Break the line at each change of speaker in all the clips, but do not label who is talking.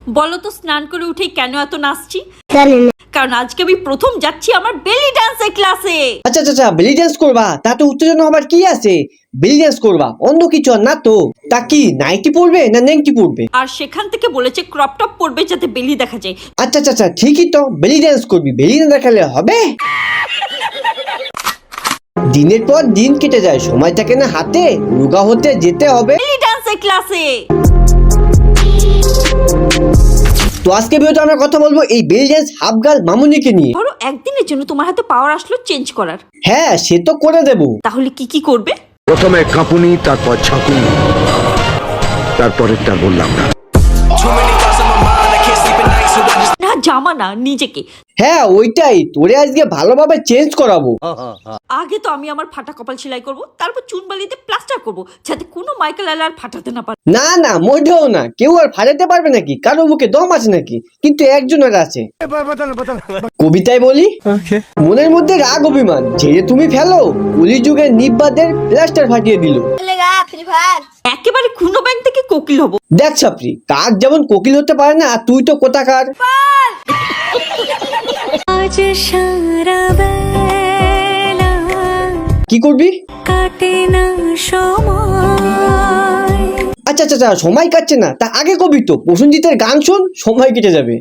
বলো তো স্নান করে উঠে কেন এত নাচছি?
জানি না।
কারণ আজকে আমি প্রথম যাচ্ছি আমার বেলি ডান্সের ক্লাসে।
আচ্ছা বেলি ডান্স করবা? তাতে উত্তেজনা আবার কি আছে? বেলি ডান্স করবা, অন্য কিছু আর না তো। তা কি নাইটি পরবে না নেংটি পরবে?
আর সেখান থেকে বলেছে ক্রপ টপ পরবে যাতে বেলি দেখা যায়।
আচ্ছা ঠিকই তো, বেলি ডান্স করবি, বেলি না দেখালে হবে? দিনের পর দিন কেটে যায়, সময় থাকে না হাতে, রোগা হতে যেতে হবে
বেলি ডান্সের ক্লাসে।
তো আজকে ভিডিওতে আমরা কথা বলবো এই বেলি ডান্স হাফ গার্ল মামুনিকে নিয়ে।
ধরো একদিনের জন্য তোমার হাতে পাওয়ার আসলো চেঞ্জ করার,
হ্যাঁ সে তো করে দেবো।
তাহলে কি করবে?
প্রথমে কাঁপুনি, তারপর ঝাঁকুনি, তারপরেরটা বললাম না।
না জামা না, নিজেকে।
হ্যাঁ ওইটাই, তোরে আজকে ভালোভাবে চেঞ্জ করাবো।
আগে তো আমি আমার ফাটা কপাল সেলাই করব, তারপর চুন বালিতে প্লাস্টার করব যাতে কোনো মাইকেল আর ফাটাতে না পারে।
না মোটেও না, কেউ আর ফাটাতে পারবে নাকি? কারো বুকে দম আছে নাকি? কিন্তু একজনের আছে। কবিতায় বলি, মনের মধ্যে রাগ অভিমান ঝেড়ে তুমি ফেলো, কলি যুগের নিব্বাদের প্লাস্টার ফাটিয়ে দিল।
একেবারে খুনো ব্যাংক থেকে কোকিল হব।
দেখ ছাপরি, কাক যেমন কোকিল হতে পারে না, আর তুই তো কোথাকার।
আজ সারা বেলা
কি করবি?
কাটে না সময়।
আচ্ছা সময় কাটছে না, তা আগে কবি তো প্রসেনজিতের গান শোন, সময় কেটে যাবে।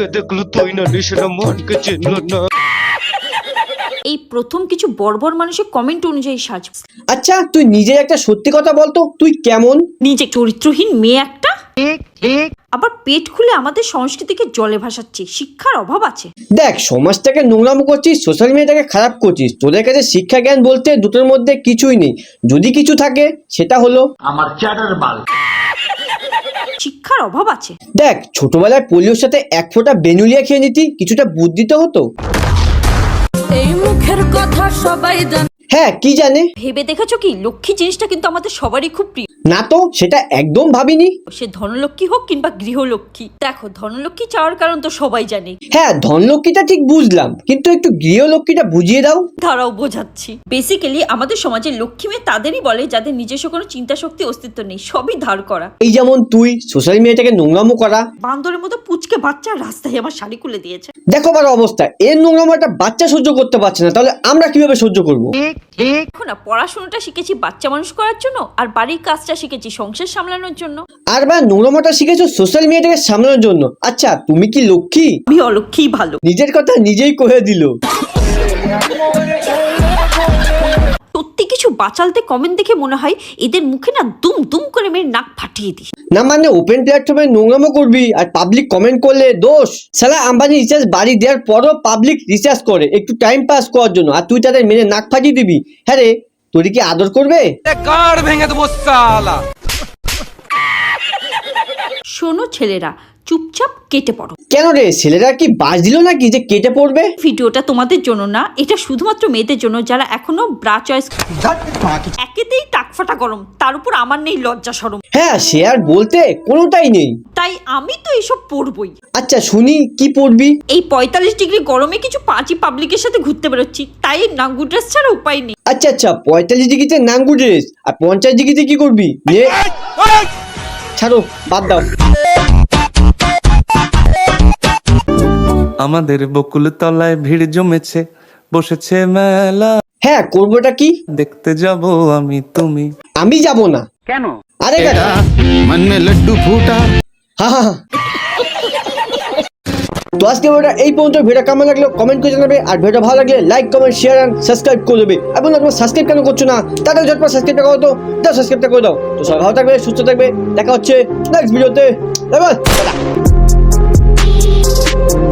এই প্রথম কিছু বর্বর মানুষের কমেন্ট অনুযায়ী সাজ।
আচ্ছা তুই নিজে একটা সত্যি কথা বলতো, তুই কেমন?
নিজে চরিত্রহীন মেয়ে একটা, আবার পেট খুলে আমাদের সংস্কৃতিকে জলে ভাসাচ্ছে। শিক্ষার অভাব আছে।
দেখ, সমাজটাকে নোংরাম করছিস, সোশ্যাল মিডিয়াটাকে খারাপ করছিস, তোদের কাছে শিক্ষা জ্ঞান বলতে দুটোর মধ্যে কিছুই নেই। যদি কিছু থাকে সেটা হলো
আমার চ্যাটার বাল।
শিক্ষার অভাব আছে।
দেখ, ছোটবেলায় পোলিওর সাথে এক ফোঁটা বেনুলিয়া খেয়ে নিতি, কিছুটা বুদ্ধি তো হতো।
এই মুখের কথা সবাই জানে।
হ্যাঁ কি জানে?
ভেবে দেখেছো কি, লক্ষ্মী জিনিসটা কিন্তু আমাদের সবারই খুব প্রিয়।
না তো, সেটা একদম ভাবিনি।
সে ধনলক্ষ্মী হোক কিংবা গৃহলক্ষ্মী। দেখো, ধনলক্ষ্মী চাওয়ার কারণ তো সবাই জানে।
হ্যাঁ ধনলক্ষ্মীটা ঠিক বুঝলাম, কিন্তু একটু গৃহলক্ষ্মীটা বুঝিয়ে দাও।
তারাও বোঝাচ্ছি। বেসিক্যালি আমাদের সমাজে লক্ষ্মী মেয়ে তাদেরই বলে যাদের নিজস্ব কোনো চিন্তা শক্তি অস্তিত্ব নেই, সবই ধার করা।
এই যেমন তুই সোশ্যাল মিডিয়াটাকে নোংরামো করা।
বান্দরের মতো পুচকে বাচ্চা রাস্তায় আমার শাড়ি খুলে দিয়েছে।
দেখো আমার অবস্থা, এর নোংরামো একটা বাচ্চা সহ্য করতে পারছে না, তাহলে আমরা কিভাবে সহ্য করবো?
দেখো না, পড়াশোনাটা শিখেছি বাচ্চা মানুষ করার জন্য, আর বাড়ির কাজটা শিখেছি সংসার সামলানোর জন্য।
আর বা নোংরামোটা শিখেছো সোশ্যাল মিডিয়াটাকে সামলানোর জন্য। আচ্ছা তুমি কি লক্ষ্মী?
আমি অলক্ষ্মীই ভালো।
নিজের কথা নিজেই কয়ে দিল।
সত্যি কিছু বাচালতে কমেন্ট দেখে মনে হয় এদের মুখে না দুম দুম করে মেরে নাক ফাটিয়ে দিই।
না মানে ওপেন প্ল্যাটফর্মে নোংরামো করবি আর পাবলিক কমেন্ট করলে দোষ? সালা আম্বানি রিচার্জ বাড়ি দেওয়ার পরও পাবলিক রিচার্জ করে একটু টাইম পাস করার জন্য, আর তুই তাদের মেরে নাক ফাটিয়ে দিবি? হ্যাঁ রে, তোর কি আদর করবে?
শোনো ছেলেরা, চুপচাপ কেটে পড়ো।
কেন রে, ছেলেরা কি বাস দিল নাকি যে কেটে পড়বে?
ভিডিওটা তোমাদের জন্য না, এটা শুধুমাত্র মেয়েদের জন্য যারা এখনো ব্রা চয়েস। একেতেই টাক ফাটা গরম, তার উপর আমার নেই লজ্জা শরম।
হ্যাঁ সে আর বলতে কোনোটাই নেই।
তাই আমি তো এসব পরবই।
আচ্ছা শুনি, কি পড়বি?
এই 45 ডিগ্রি গরমে কিছু পাঁচই পাবলিকের সাথে ঘুরতে বেরোচ্ছি, তাই নাঙ্গু ড্রেস ছাড়া উপায় নেই।
আচ্ছা 45 ডিগ্রিতে নাঙ্গু ড্রেস, আর 50 ডিগ্রিতে কি করবি? ছাড়ো, বাদ দাও।
আমাদের বকুল তলায় ভিড় জমেছে, বসেছে মেলা।
হ্যাঁ করবোটা কি?
দেখতে যাব আমি তুমি।
আমি যাব না।
কেন?
আরে
মন মে লাড্ডু ফুটা।
হা তো আজকে ভিডিওটা এই পর্যন্ত। ভিডিও কেমন লাগলো কমেন্ট করে জানাবে, আর ভিডিও ভালো লাগলে like comment share and subscribe করে দেবে। এবং তোমরা সাবস্ক্রাইব কেন করছো না? তাড়াতাড়ি ঝটপট সাবস্ক্রাইবটা করো তো, সাবস্ক্রাইবটা করে দাও। তো সবাই ভালো থাকবে, সুস্থ থাকবে, দেখা হচ্ছে নেক্সট ভিডিওতে। Bye by.